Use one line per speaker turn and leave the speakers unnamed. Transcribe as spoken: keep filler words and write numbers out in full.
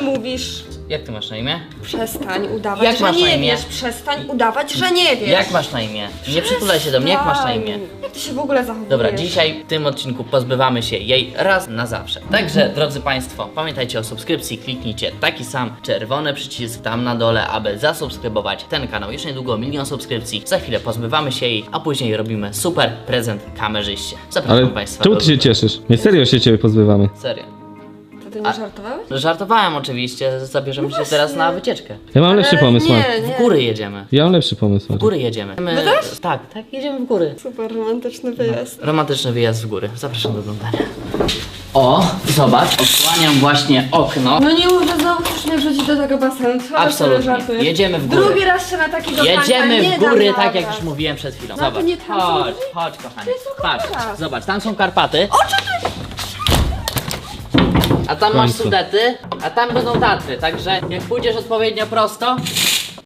mówisz?
Jak ty masz na imię?
Przestań udawać,
Jak
że
masz na
nie
imię?
wiesz. Przestań udawać, że nie wiesz.
Jak masz na imię? Nie przytulaj się do mnie, jak masz na imię?
Jak ty się w ogóle zachowujesz?
Dobra, dzisiaj w tym odcinku pozbywamy się jej raz na zawsze. Także, drodzy Państwo, pamiętajcie o subskrypcji, kliknijcie taki sam czerwony przycisk tam na dole, aby zasubskrybować ten kanał. Już niedługo milion subskrypcji, za chwilę pozbywamy się jej, a później robimy super prezent kamerzyście. Zapraszam
Ale
Państwa
czemu
do
ty się cieszysz? My serio się ciebie pozbywamy.
Serio.
To ty nie
A-
żartowałeś?
Żartowałem oczywiście, zabierzemy się teraz na wycieczkę.
Ja mam lepszy pomysł,
nie,
Marek.
nie.
W góry jedziemy.
Ja mam lepszy pomysł,
W
Marek.
góry jedziemy. My...
też?
Tak, tak, jedziemy w góry.
Super romantyczny wyjazd.
Romantyczny wyjazd w góry. Zapraszam do oglądania. O, zobacz, odsłaniam właśnie okno.
No nie mów, że znowu chcesz mnie wrzucić do tego basenu. Co
Absolutnie.
sobie żartujesz?
Jedziemy w góry.
Drugi raz się na taki do
Jedziemy
nie
w góry,
dam
tak jak
rady.
już mówiłem przed chwilą.
No to
Zobacz,
nie tam są
chodź,
góry?
chodź kochanie.
To jest tylko
Patrz,
góra.
zobacz, tam są Karpaty. A tam masz
końcu.
Sudety, a tam będą Tatry, także jak pójdziesz odpowiednio prosto,